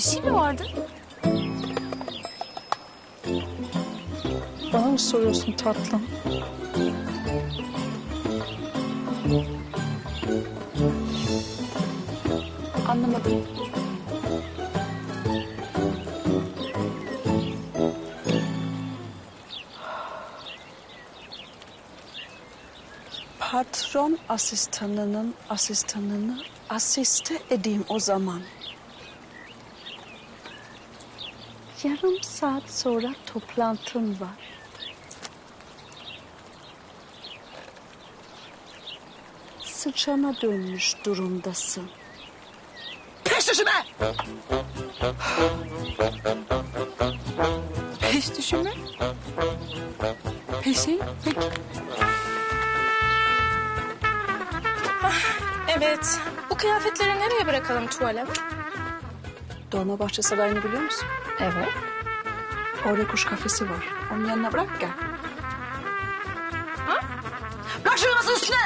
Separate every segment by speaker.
Speaker 1: şey mi vardı?
Speaker 2: Bana mı soruyorsun tatlım?
Speaker 1: Anlamadım.
Speaker 2: Patron asistanının asistanını asiste edeyim o zaman. Yarım saat sonra toplantın var. Sıçana dönmüş durumdasın.
Speaker 3: Peş düşme!
Speaker 1: Peş düşümü? Peşin? Peki. Evet. Bu kıyafetleri nereye bırakalım tuvale?
Speaker 2: Dolmabahçe Sarayı'nı biliyor musun?
Speaker 1: Evet.
Speaker 2: Orada kuş kafesi var. Onun yanına bırak gel.
Speaker 3: Bırak şunu masanın üstüne!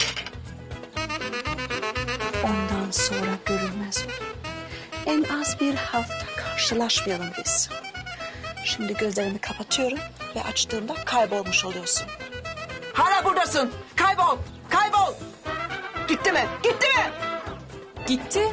Speaker 2: Ondan sonra görülmez mi? En az bir hafta karşılaşmayalım biz. Şimdi gözlerimi kapatıyorum ve açtığımda kaybolmuş oluyorsun.
Speaker 3: Hala buradasın. Kaybol, kaybol. Gitti mi? Gitti mi?
Speaker 1: Gitti.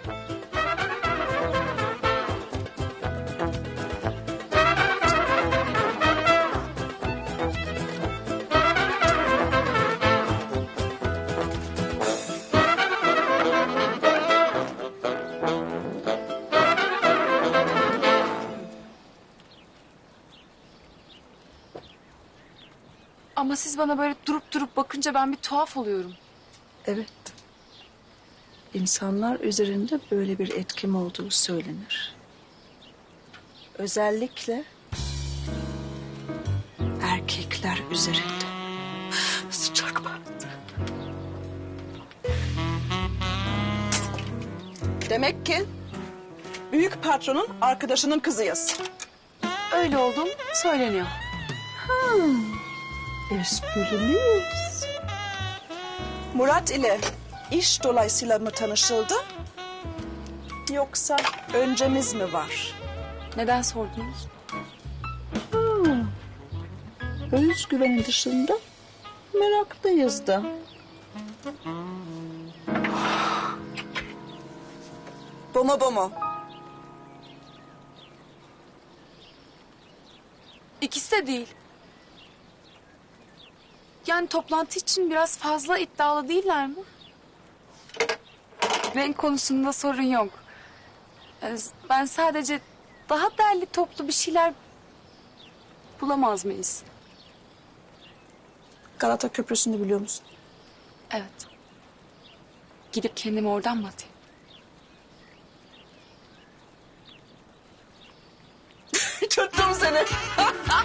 Speaker 1: Ama siz bana böyle durup durup bakınca ben bir tuhaf oluyorum.
Speaker 2: Evet. İnsanlar üzerinde böyle bir etkim olduğu söylenir. Özellikle erkekler üzerinde. Sıcak mı? Demek ki büyük patronun arkadaşının kızıyız.
Speaker 1: Öyle olduğum söyleniyor.
Speaker 2: Espriliyiz. Murat ile iş dolayısıyla mı tanışıldı? Yoksa öncemiz mi var?
Speaker 1: Neden sordunuz?
Speaker 2: Özgüvenin dışında meraklıyız da. Bu mu?
Speaker 1: İkisi de değil. Yani toplantı için biraz fazla iddialı değiller mi? Renk konusunda sorun yok. Ben sadece daha derli toplu bir şeyler bulamaz mıyız?
Speaker 2: Galata Köprüsü'nü biliyor musun?
Speaker 1: Evet. Gidip kendimi oradan mı atayım?
Speaker 3: Tuttum seni.